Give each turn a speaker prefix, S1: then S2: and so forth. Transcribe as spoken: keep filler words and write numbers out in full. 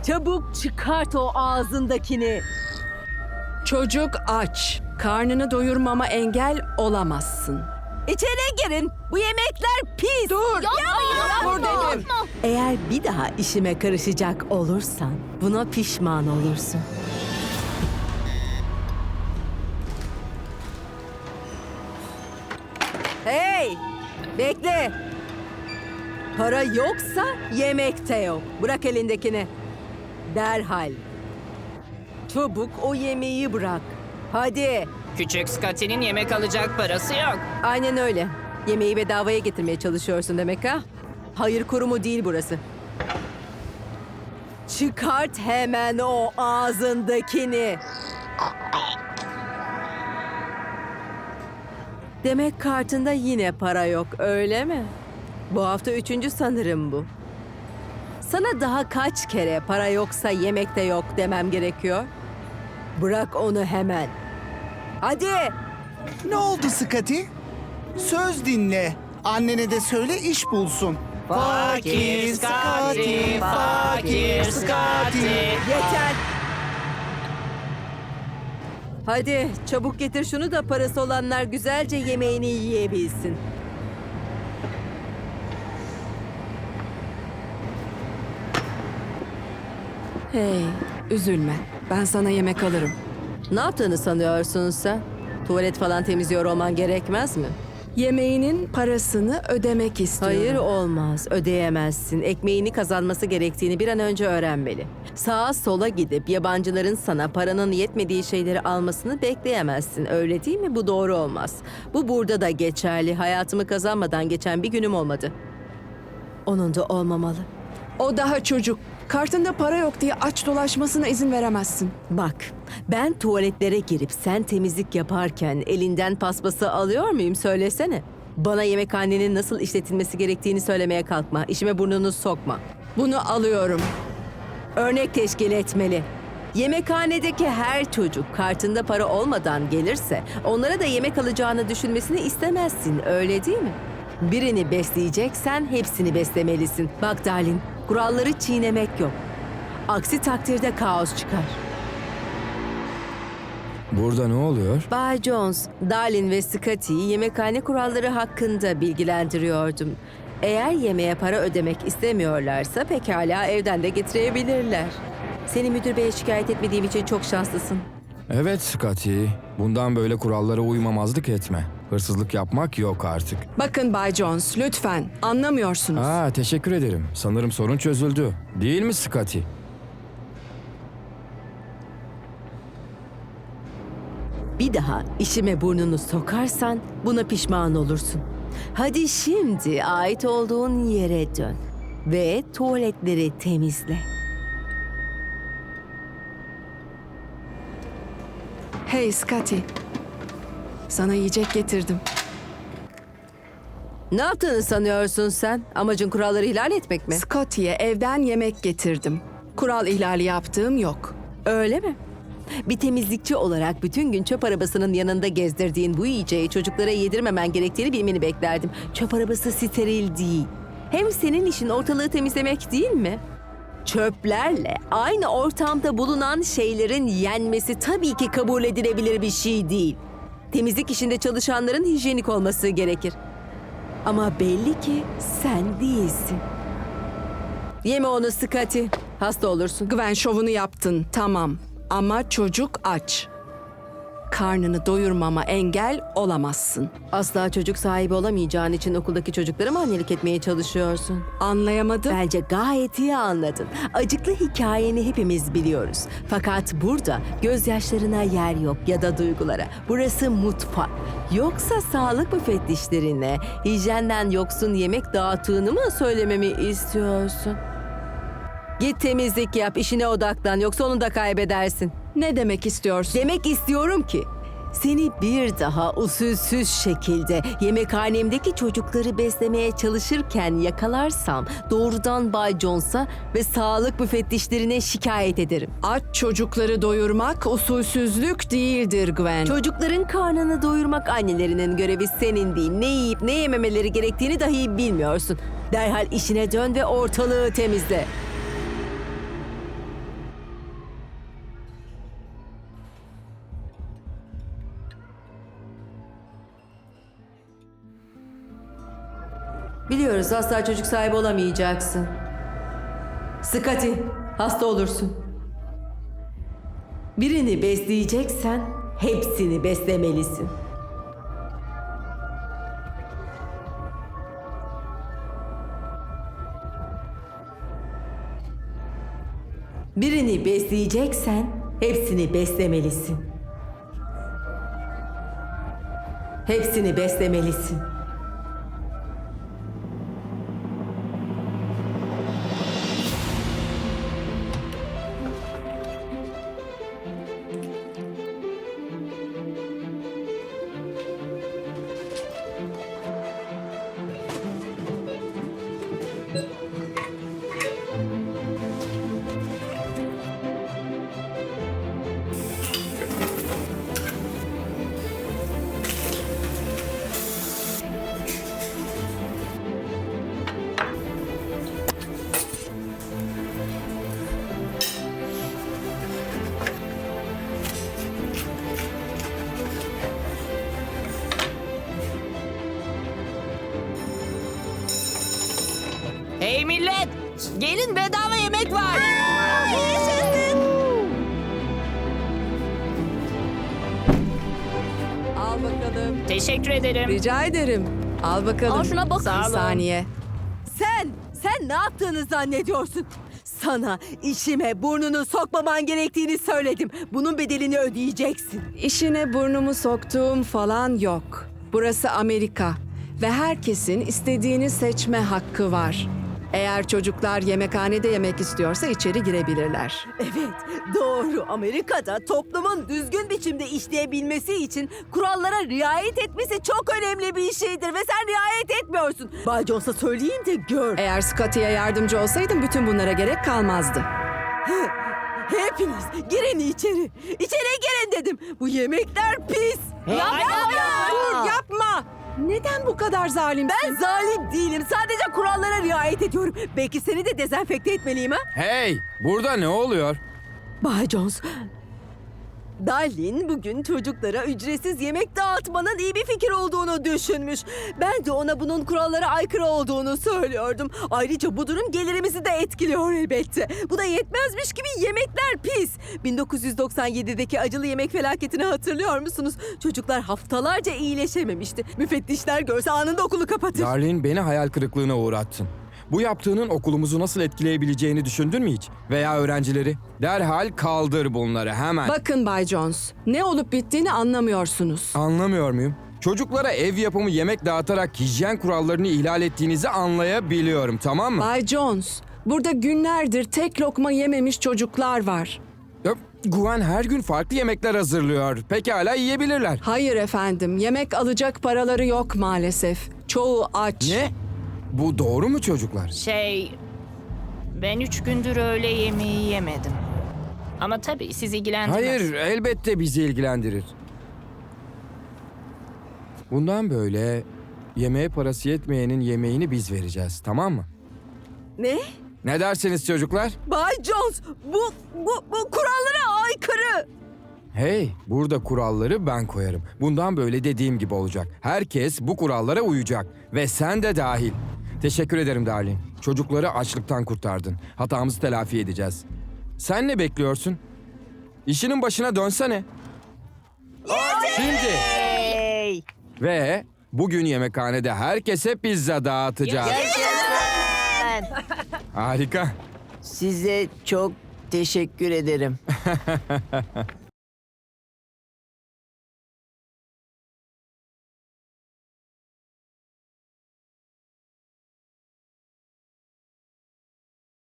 S1: Çabuk çıkart o ağzındakini.
S2: Çocuk aç. Karnını doyurmama engel olamazsın.
S1: İçeri girin. Bu yemekler pis.
S2: Dur! Dur dedim.
S1: Eğer bir daha işime karışacak olursan buna pişman olursun. Hey! Bekle. Para yoksa yemek de yok. Bırak elindekini. Derhal. Çabuk o yemeği bırak. Hadi.
S3: Küçük Scotty'nin yemek alacak parası yok.
S1: Aynen öyle. Yemeği bedavaya getirmeye çalışıyorsun demek ha? Hayır kurumu değil burası. Çıkart hemen o ağzındakini. Demek kartında yine para yok, öyle mi? Bu hafta üçüncü sanırım bu. Sana daha kaç kere para yoksa yemek de yok demem gerekiyor? Bırak onu hemen. Hadi!
S4: Ne oldu Scotty? Söz dinle. Annene de söyle iş bulsun.
S3: Fakir Scotty, fakir Scotty.
S1: Yeter! Hadi çabuk getir şunu da parası olanlar güzelce yemeğini yiyebilsin.
S2: Hey, üzülme. Ben sana yemek alırım.
S1: Ne yaptığını sanıyorsun sen? Tuvalet falan temizliyor olman gerekmez mi?
S2: Yemeğinin parasını ödemek istiyorum.
S1: Hayır olmaz, ödeyemezsin. Ekmeğini kazanması gerektiğini bir an önce öğrenmeli. Sağa sola gidip yabancıların sana paranın yetmediği şeyleri almasını bekleyemezsin. Öyle değil mi? Bu doğru olmaz. Bu burada da geçerli. Hayatımı kazanmadan geçen bir günüm olmadı. Onun da olmamalı.
S2: O daha çocuk. Kartında para yok diye aç dolaşmasına izin veremezsin.
S1: Bak, ben tuvaletlere girip sen temizlik yaparken elinden paspası alıyor muyum söylesene. Bana yemekhanenin nasıl işletilmesi gerektiğini söylemeye kalkma. İşime burnunu sokma.
S2: Bunu alıyorum.
S1: Örnek teşkil etmeli. Yemekhanedeki her çocuk kartında para olmadan gelirse onlara da yemek alacağını düşünmesini istemezsin, öyle değil mi? Birini besleyeceksen hepsini beslemelisin. Bak Darlin, kuralları çiğnemek yok. Aksi takdirde kaos çıkar.
S5: Burada ne oluyor?
S1: Bay Jones, Darlin ve Scotty'yi yemekhane kuralları hakkında bilgilendiriyordum. Eğer yemeğe para ödemek istemiyorlarsa pekala evden de getirebilirler. Seni müdür beye şikayet etmediğim için çok şanslısın.
S5: Evet Scotty, bundan böyle kurallara uymamazlık etme. Hırsızlık yapmak yok artık.
S2: Bakın Bay Jones, lütfen. Anlamıyorsunuz.
S5: Aa, teşekkür ederim. Sanırım sorun çözüldü. Değil mi Scotty?
S1: Bir daha işime burnunu sokarsan buna pişman olursun. Hadi şimdi ait olduğun yere dön ve tuvaletleri temizle.
S2: Hey Scotty. Sana yiyecek getirdim.
S1: Ne yaptığını sanıyorsun sen? Amacın kuralları ihlal etmek mi?
S2: Scotty'ye evden yemek getirdim. Kural ihlali yaptığım yok.
S1: Öyle mi? Bir temizlikçi olarak bütün gün çöp arabasının yanında gezdirdiğin bu yiyeceği çocuklara yedirmemen gerektiğini bilmeni beklerdim. Çöp arabası steril değil. Hem senin işin ortalığı temizlemek değil mi? Çöplerle aynı ortamda bulunan şeylerin yenmesi tabii ki kabul edilebilir bir şey değil. Temizlik işinde çalışanların hijyenik olması gerekir. Ama belli ki sen değilsin. Yeme onu Scotty. Hasta olursun.
S2: Gwen şovunu yaptın, tamam. Ama çocuk aç. Karnını doyurmama engel olamazsın.
S1: Asla çocuk sahibi olamayacağın için okuldaki çocuklara mı annelik etmeye çalışıyorsun?
S2: Anlayamadım.
S1: Bence gayet iyi anladın. Acıklı hikayeni hepimiz biliyoruz. Fakat burada gözyaşlarına yer yok ya da duygulara. Burası mutfak. Yoksa sağlık müfettişlerine hijyenden yoksun yemek dağıttığını mı söylememi istiyorsun? Git temizlik yap, işine odaklan yoksa onu da kaybedersin.
S2: Ne demek istiyorsun?
S1: Demek istiyorum ki seni bir daha usulsüz şekilde yemekhanemdeki çocukları beslemeye çalışırken yakalarsam doğrudan Bay Jones'a ve sağlık müfettişlerine şikayet ederim.
S2: Aç çocukları doyurmak usulsüzlük değildir Gwen.
S1: Çocukların karnını doyurmak annelerinin görevi, senin değil. Ne yiyip ne yememeleri gerektiğini dahi bilmiyorsun. Derhal işine dön ve ortalığı temizle. Biliyoruz asla çocuk sahibi olamayacaksın. Scotty, hasta olursun. Birini besleyeceksen hepsini beslemelisin. Birini besleyeceksen hepsini beslemelisin. Hepsini beslemelisin.
S3: Hey millet! Gelin bedava yemek var.
S2: Al bakalım.
S3: Teşekkür ederim.
S2: Rica ederim. Al bakalım.
S3: Al şuna bakın. Sağ
S2: Bir
S3: olun.
S2: saniye.
S1: Sen, sen ne yaptığını zannediyorsun? Sana işime burnunu sokmaman gerektiğini söyledim. Bunun bedelini ödeyeceksin.
S2: İşine burnumu soktuğum falan yok. Burası Amerika ve herkesin istediğini seçme hakkı var. Eğer çocuklar yemekhanede yemek istiyorsa içeri girebilirler.
S1: Evet, doğru. Amerika'da toplumun düzgün biçimde işleyebilmesi için kurallara riayet etmesi çok önemli bir şeydir ve sen riayet etmiyorsun. Bay Jones'a söyleyeyim de gör.
S2: Eğer Scotty'ye yardımcı olsaydım bütün bunlara gerek kalmazdı.
S1: Hepiniz girin içeri. İçeri girin dedim. Bu yemekler pis.
S2: Dur yapma! Neden bu kadar zalimsin?
S1: Ben zalim değilim. Sadece kurallara riayet ediyorum. Belki seni de dezenfekte etmeliyim ha?
S5: Hey, burada ne oluyor?
S1: Bay Jones, Darlin bugün çocuklara ücretsiz yemek dağıtmanın iyi bir fikir olduğunu düşünmüş. Ben de ona bunun kurallara aykırı olduğunu söylüyordum. Ayrıca bu durum gelirimizi de etkiliyor elbette. Bu da yetmezmiş gibi yemekler pis. bin dokuz yüz doksan yedideki acılı yemek felaketini hatırlıyor musunuz? Çocuklar haftalarca iyileşememişti. Müfettişler görse anında okulu kapatır.
S5: Darlin, beni hayal kırıklığına uğrattın. Bu yaptığının okulumuzu nasıl etkileyebileceğini düşündün mü hiç? Veya öğrencileri? Derhal kaldır bunları hemen.
S2: Bakın Bay Jones, ne olup bittiğini anlamıyorsunuz.
S5: Anlamıyor muyum? Çocuklara ev yapımı yemek dağıtarak hijyen kurallarını ihlal ettiğinizi anlayabiliyorum, tamam mı?
S2: Bay Jones, burada günlerdir tek lokma yememiş çocuklar var.
S5: Ya, Gwen her gün farklı yemekler hazırlıyor. Pekala yiyebilirler.
S2: Hayır efendim, yemek alacak paraları yok maalesef. Çoğu aç.
S5: Ne? Bu doğru mu çocuklar?
S3: Şey... Ben üç gündür öğle yemeği yemedim. Ama tabii sizi ilgilendirmez.
S5: Hayır, elbette bizi ilgilendirir. Bundan böyle yemeğe parası yetmeyenin yemeğini biz vereceğiz, tamam mı?
S1: Ne?
S5: Ne dersiniz çocuklar?
S1: Bay Jones, bu, bu, bu kurallara aykırı.
S5: Hey, burada kuralları ben koyarım. Bundan böyle dediğim gibi olacak. Herkes bu kurallara uyacak. Ve sen de dahil. Teşekkür ederim Darlin. Çocukları açlıktan kurtardın. Hatamızı telafi edeceğiz. Sen ne bekliyorsun? İşinin başına dönsene. Şimdi.
S3: Hey!
S5: Ve bugün yemekhanede herkese pizza dağıtacağız. Harika.
S6: Size çok teşekkür ederim.